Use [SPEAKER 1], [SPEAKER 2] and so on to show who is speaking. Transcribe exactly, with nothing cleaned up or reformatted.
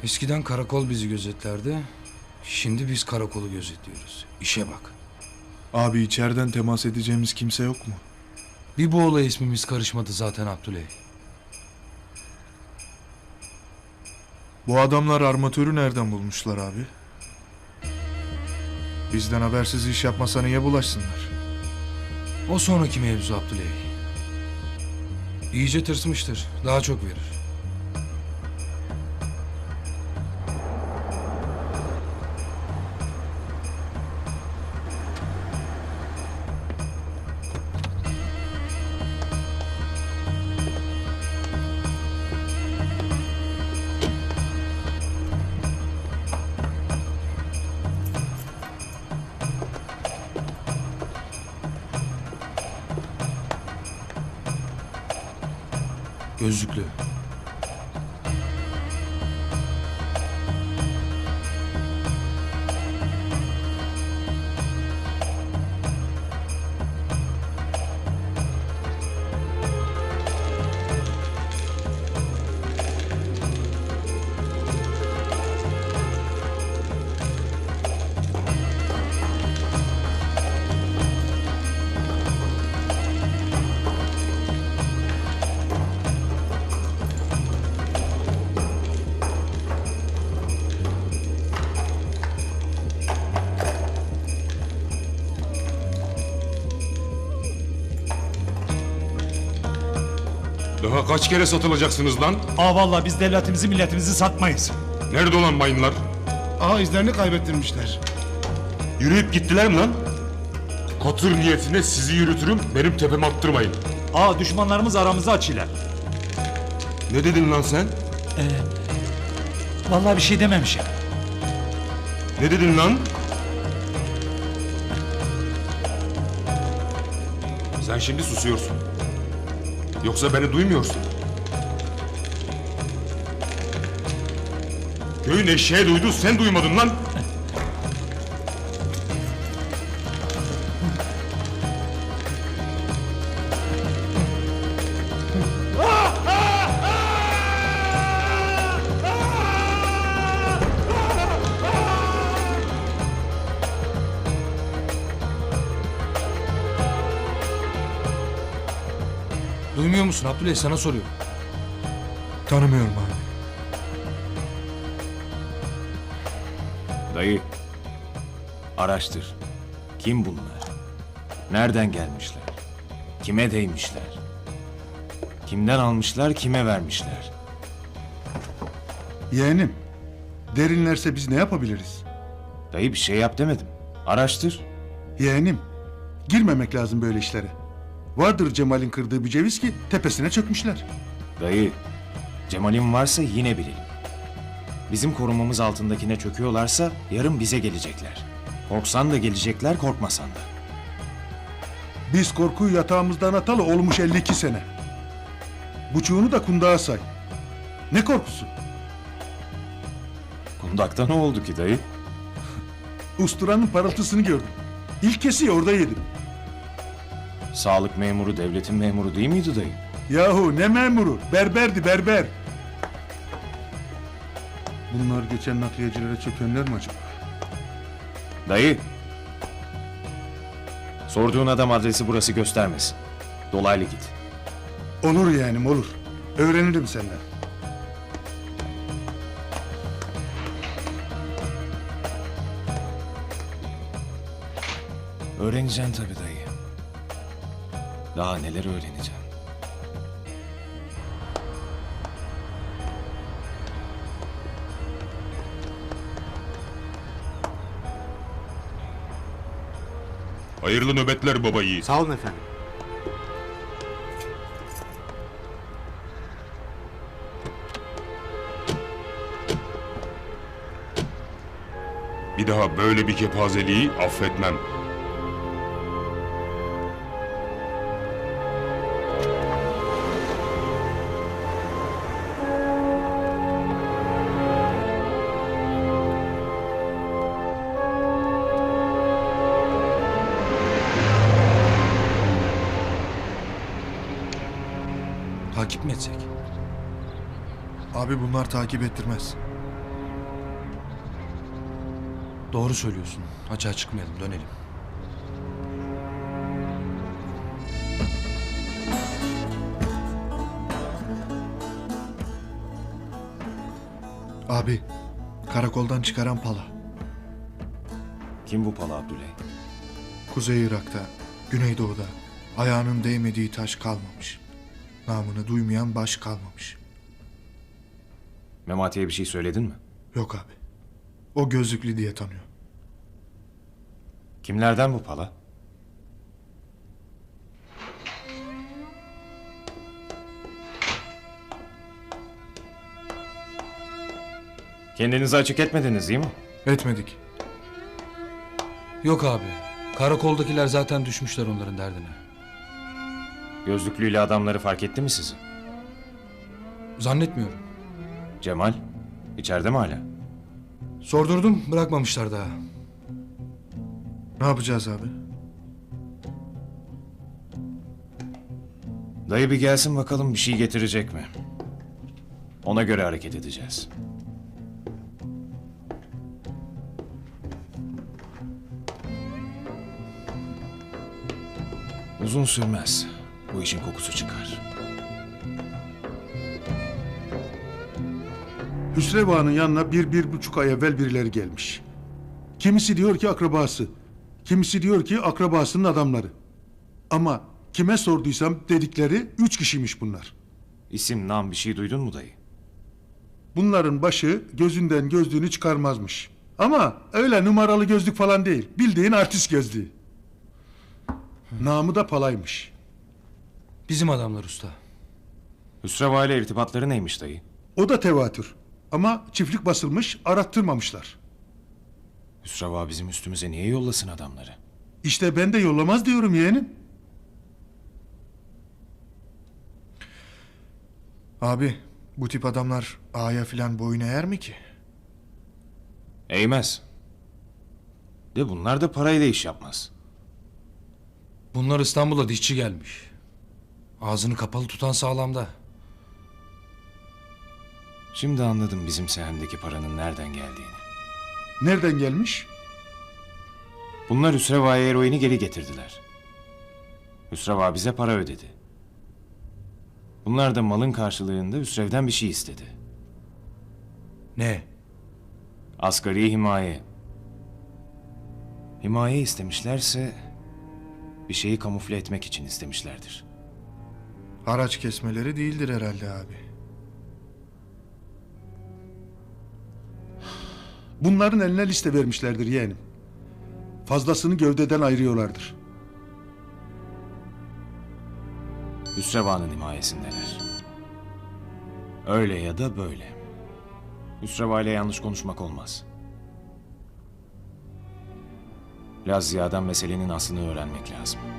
[SPEAKER 1] Eskiden karakol bizi gözetlerdi. Şimdi biz karakolu gözetliyoruz. İşe bak.
[SPEAKER 2] Abi içeriden temas edeceğimiz kimse yok mu?
[SPEAKER 1] Bir bu olaya ismimiz karışmadı zaten Abdüley.
[SPEAKER 2] Bu adamlar armatörü nereden bulmuşlar abi? Bizden habersiz iş yapmasa niye bulaşsınlar?
[SPEAKER 1] O sonraki mevzu Abdüley. İyice tırsmıştır. Daha çok verir. Gözlüklü.
[SPEAKER 3] Daha kaç kere satılacaksınız lan?
[SPEAKER 4] Aa vallahi biz devletimizi milletimizi satmayız.
[SPEAKER 3] Nerede olan mayınlar?
[SPEAKER 5] Aha izlerini kaybettirmişler.
[SPEAKER 3] Yürüyüp gittiler mi lan? Katır niyetine sizi yürütürüm, benim tepeme attırmayın.
[SPEAKER 4] Aa düşmanlarımız aramızı açıyorlar.
[SPEAKER 3] Ne dedin lan sen?
[SPEAKER 4] Vallahi bir şey dememişim.
[SPEAKER 3] Ne dedin lan? Sen şimdi susuyorsun. Yoksa beni duymuyorsun. Köyün eşeği duydu, sen duymadın lan.
[SPEAKER 1] Duymuyor musun Abdüley? Sana soruyorum.
[SPEAKER 2] Tanımıyorum abi.
[SPEAKER 6] Dayı, araştır. Kim bunlar? Nereden gelmişler? Kime değmişler? Kimden almışlar, kime vermişler?
[SPEAKER 5] Yeğenim, derinlerse biz ne yapabiliriz?
[SPEAKER 6] Dayı bir şey yap demedim. Araştır.
[SPEAKER 5] Yeğenim, girmemek lazım böyle işlere. Vardır Cemal'in kırdığı bir ceviz ki tepesine çökmüşler.
[SPEAKER 6] Dayı, Cemal'in varsa yine bilelim. Bizim korumamız altındakine çöküyorlarsa yarın bize gelecekler. Korksan da gelecekler, korkmasan da.
[SPEAKER 5] Biz korkuyu yatağımızdan atalı olmuş elli iki sene. Buçuğunu da kundağa say. Ne korkusu?
[SPEAKER 6] Kundakta ne oldu ki dayı?
[SPEAKER 5] Usturanın parıltısını gördüm. İlk kesiyi orada yedim.
[SPEAKER 6] Sağlık memuru devletin memuru değil miydi dayı?
[SPEAKER 5] Yahu ne memuru? Berberdi berber. Bunlar geçen nakliyecilere çökenler mi acaba?
[SPEAKER 6] Dayı. Sorduğun adam adresi burası göstermesin. Dolaylı git.
[SPEAKER 5] Olur yeğenim olur. Öğrenirim senden.
[SPEAKER 6] Öğreneceksin tabii dayı. Daha neler öğreneceksin.
[SPEAKER 3] Hayırlı nöbetler baba yiğit.
[SPEAKER 7] Sağ olun efendim.
[SPEAKER 3] Bir daha böyle bir kepazeliği affetmem.
[SPEAKER 1] Takip mi etsek?
[SPEAKER 2] Abi bunlar takip ettirmez.
[SPEAKER 1] Doğru söylüyorsun. Açığa çıkmayalım, dönelim.
[SPEAKER 2] Abi, karakoldan çıkaran pala.
[SPEAKER 6] Kim bu Pala Abdüley?
[SPEAKER 2] Kuzey Irak'ta, Güneydoğu'da ayağının değmediği taş kalmamış. Namını duymayan baş kalmamış.
[SPEAKER 6] Memati'ye bir şey söyledin mi?
[SPEAKER 2] Yok abi. O gözlüklü diye tanıyor.
[SPEAKER 6] Kimlerden bu Pala? Kendinizi açık etmediniz değil mi?
[SPEAKER 2] Etmedik.
[SPEAKER 1] Yok abi. Karakoldakiler zaten düşmüşler onların derdine.
[SPEAKER 6] Gözlüklüyle adamları fark etti mi sizi?
[SPEAKER 1] Zannetmiyorum.
[SPEAKER 6] Cemal, içeride mi hala?
[SPEAKER 1] Sordurdum, bırakmamışlar daha.
[SPEAKER 2] Ne yapacağız abi?
[SPEAKER 6] Dayı bir gelsin bakalım bir şey getirecek mi? Ona göre hareket edeceğiz. Uzun sürmez. Bu işin kokusu çıkar.
[SPEAKER 5] Hüsrev Ağa'nın yanına bir, bir buçuk ay evvel birileri gelmiş. Kimisi diyor ki akrabası, kimisi diyor ki akrabasının adamları. Ama kime sorduysam dedikleri üç kişiymiş bunlar.
[SPEAKER 6] İsim, nam bir şey duydun mu dayı?
[SPEAKER 5] Bunların başı gözünden gözlüğünü çıkarmazmış. Ama öyle numaralı gözlük falan değil, bildiğin artist gözlüğü. Namı da Palaymış.
[SPEAKER 1] Bizim adamlar usta.
[SPEAKER 6] Hüsreva ile irtibatları neymiş dayı?
[SPEAKER 5] O da tevatür. Ama çiftlik basılmış, arattırmamışlar.
[SPEAKER 6] Hüsreva bizim üstümüze niye yollasın adamları?
[SPEAKER 5] İşte ben de yollamaz diyorum yeğenim.
[SPEAKER 2] Abi, bu tip adamlar ağaya filan boyun eğer mi ki?
[SPEAKER 6] Eğmez. De bunlar da parayla iş yapmaz.
[SPEAKER 1] Bunlar İstanbul'a dişçi gelmiş. Ağzını kapalı tutan sağlamda.
[SPEAKER 6] Şimdi anladım bizim sehendeki paranın nereden geldiğini.
[SPEAKER 5] Nereden gelmiş?
[SPEAKER 6] Bunlar Hüsreva'ya eroini geri getirdiler. Hüsreva bize para ödedi. Bunlar da malın karşılığında Hüsrev'den bir şey istedi.
[SPEAKER 1] Ne?
[SPEAKER 6] Asgari himaye. Himaye istemişlerse bir şeyi kamufle etmek için istemişlerdir.
[SPEAKER 2] Haraç kesmeleri değildir herhalde abi.
[SPEAKER 5] Bunların eline liste vermişlerdir yeğenim. Fazlasını gövdeden ayırıyorlardır.
[SPEAKER 6] Hüsreva'nın himayesindeler. Öyle ya da böyle. Hüsreva ile yanlış konuşmak olmaz. Laz Ziya'dan meselenin aslını öğrenmek lazım.